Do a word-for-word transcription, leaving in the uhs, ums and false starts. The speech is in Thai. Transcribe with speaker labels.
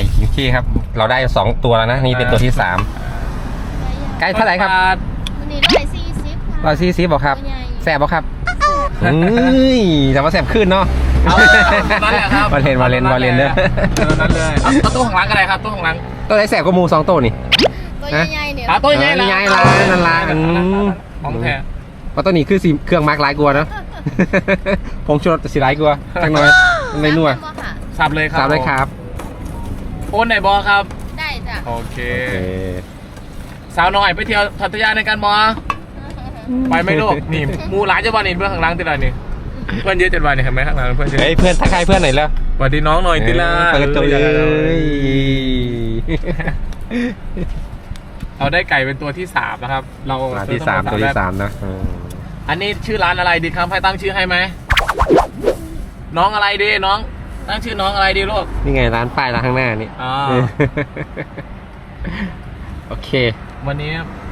Speaker 1: โอเคครับเราได้สองตัวแล้วนะนี่เป็นตัวที่สามไก่เท่าไหร่ครับ
Speaker 2: วันนี้ร้อยสี่สิบค่ะ
Speaker 1: ร้อยสี่สิบบอกครับ
Speaker 2: ตัวใหญ่
Speaker 1: แสบบอกครับเฮ้ยแต่ว่าแสบขึ้นเนาะ
Speaker 3: เอานั่นแหละครับ
Speaker 1: วาเลนวาเลนวาเลนเด้อ
Speaker 3: นั่นเลยเอาเอาตู้ของหลังก็ได้ครับตู้ของหลัง
Speaker 1: ตัวไหนแสบก็มูสองตัวนี่
Speaker 2: ตัวใหญ่ๆเนี่ย
Speaker 3: เอาตู้ใหญ่
Speaker 1: เออใหญ่ละนั่นละอืม
Speaker 3: ของแท้
Speaker 1: เพราะตัวนี้คือสีเครื่องมาร์กหลายกลัวาเนาะ ผมชดสีหลายกลัวาจังหน่อยไม่นัว
Speaker 2: สามค่ะ
Speaker 3: สับเลยครับ
Speaker 1: สามเลยครับ
Speaker 3: โอนไหนบอครับ
Speaker 2: ได้จ้ะ
Speaker 3: โอเค
Speaker 1: โอเค
Speaker 3: สาวน้อยไปเที่ยวพัทยาในการบอไปไหม่ลูกนี่มูหลานจะวันนี้เพื่อนข้างหลังติดอะไรนี่เพื่อนเยอะจัดวันนี่เห็นไหมข้างหลังเพื่อนเยอะ
Speaker 1: เฮ้ยเพื่อนทักทายเพื่อนหน่อยแล้ว
Speaker 3: สวัสดีน้องหน่อยติล่า
Speaker 1: เปิดตัวเลย
Speaker 3: เราได้ไก่เป็นตัวที่สามนะครับ เรา
Speaker 1: ตัวที่สามตัวที่สามนะอืม
Speaker 3: อันนี้ชื่อร้านอะไรดีครับให้ตั้งชื่อให้ไหมน้องอะไรดีน้องตั้งชื่อน้องอะไรดีลูก
Speaker 1: นี่ไงร้านป้ายร้านข้างหน้านี่
Speaker 3: อ่า
Speaker 1: โอเค
Speaker 3: วันนี้